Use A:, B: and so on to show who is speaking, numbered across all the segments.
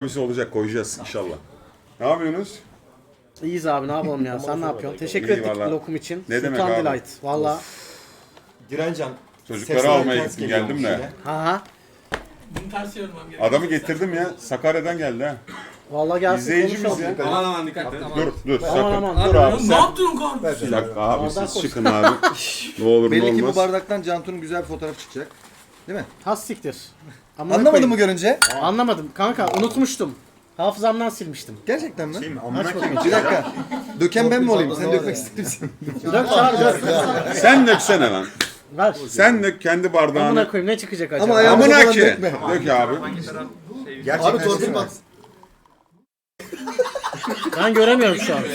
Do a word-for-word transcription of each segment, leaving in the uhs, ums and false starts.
A: Bir şey olacak, koyacağız inşallah. Ne yapıyorsunuz?
B: İyiyiz abi, ne yapalım ya, sen ne yapıyorsun? Teşekkür
A: İyi
B: ettik
A: vallahi.
B: lokum için.
A: Ne demek
B: Sultan
A: abi?
B: Delight valla.
C: Direncan.
A: Çocukları almaya gittim, geldim de.
B: Aha.
D: Bunu ters yormam gerekiyor.
A: Adamı getirdim ya, Sakarya'dan geldi ha.
B: Valla gelsin
A: İzleyicimiz
B: konuşalım.
A: ya.
D: Aman aman dikkat et.
A: Dur, dur,
B: Aman
A: sakın.
B: aman.
A: Dur abi
D: Ne
A: sen.
D: yaptın kardeşim?
A: Bir dakika abi,
B: Bardak
A: siz
B: koy.
A: çıkın abi. Ne olur
C: Belli
A: ne
C: ki bu
A: olmaz.
C: bardaktan Cantu'nun güzel bir fotoğraf çıkacak. Değil mi?
B: Has siktir. Amına
C: Anlamadın
B: koyayım.
C: mı görünce?
B: Anlamadım kanka, unutmuştum. Hafızamdan silmiştim.
C: Gerçekten mi?
B: Aç bakayım.
C: Bir dakika. Döken ben mi olayım? Sen dökmek ister misin?
B: Dök abi dök.
A: Sen döksene lan.
B: Ver.
A: Sen dök kendi bardağını.
B: Amına koyayım, ne çıkacak acaba?
C: Ama ayağımıza
A: Amına
C: falan
A: ki.
C: dökme.
A: Dök abi.
C: Abi torpil bak.
B: Ben göremiyorum şu an.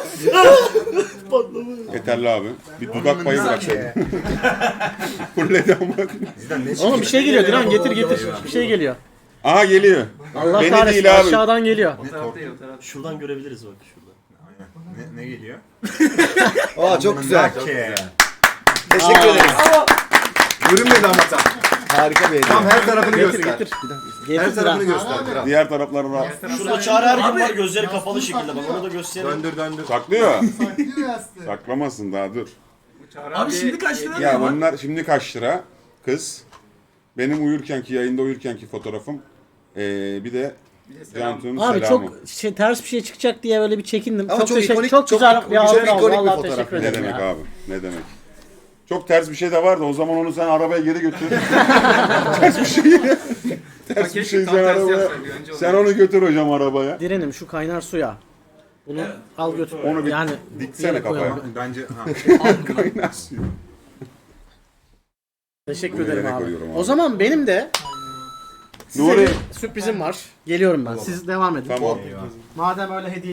A: Yeterli abi. Bir dudak payı bıraksaydın. Fulledi ama.
B: Oğlum bir şey geliyor Dilan, getir getir. Bir şey geliyor.
A: Aha geliyor.
B: Allah
A: Beni
B: kahretsin,
A: değil abi.
B: aşağıdan geliyor.
E: Şuradan görebiliriz bak şurada.
F: Ne, ne geliyor?
C: Aa çok güzel.
F: Ke.
C: Teşekkür ederiz.
F: Görünmedi ama tam.
C: Harika bir hediye.
F: Tam her tarafını
B: Getir
F: göster.
B: getir.
F: Her
B: Getir
F: tarafını
B: Dilan.
F: göster. Kral.
A: Diğer tarafları da
E: Şurada Çağrı Ergün var, gözleri kapalı şekilde, bak onu da gösterelim.
F: Döndür döndür.
A: saklıyor. Saklamasın daha dur.
D: Abi şimdi kaç lira
A: Ya
D: var?
A: bunlar şimdi kaç lira? Kız. Benim uyurkenki, yayında uyurkenki fotoğrafım. Ee, bir de Cantu'nun
B: Abi
A: selamı.
B: çok şey, ters bir şey çıkacak diye böyle bir çekindim.
C: Ama
B: çok
C: çok
B: teşekkür,
C: ikonik-
B: çok
C: çok
B: güzel
C: ikonik-
B: bir
C: çok
B: hatıra oldu.
C: ikonik bir
B: Vallahi
C: fotoğraf.
B: teşekkür
A: Ne
B: ederim
A: demek
B: ya.
A: abi? Ne demek? Çok ters bir şey de vardı. O zaman onu sen arabaya geri götür. ters bir şey. ters bir şey sen arabaya. Sen onu götür hocam arabaya.
B: Direnim şu kaynar suya. Bunu al götür.
A: Onu bir
B: yani
A: diksene
B: yere koyalım.
A: kafaya.
F: Bence ha.
A: Kaynar suyu.
B: Teşekkür
A: Bunu
B: ederim
A: yere
B: abi.
A: koyuyorum abi.
B: O zaman benim de size
A: Nuri.
B: bir sürprizim var. Geliyorum ben. Siz devam edin.
A: Tamam.
B: Madem öyle hediye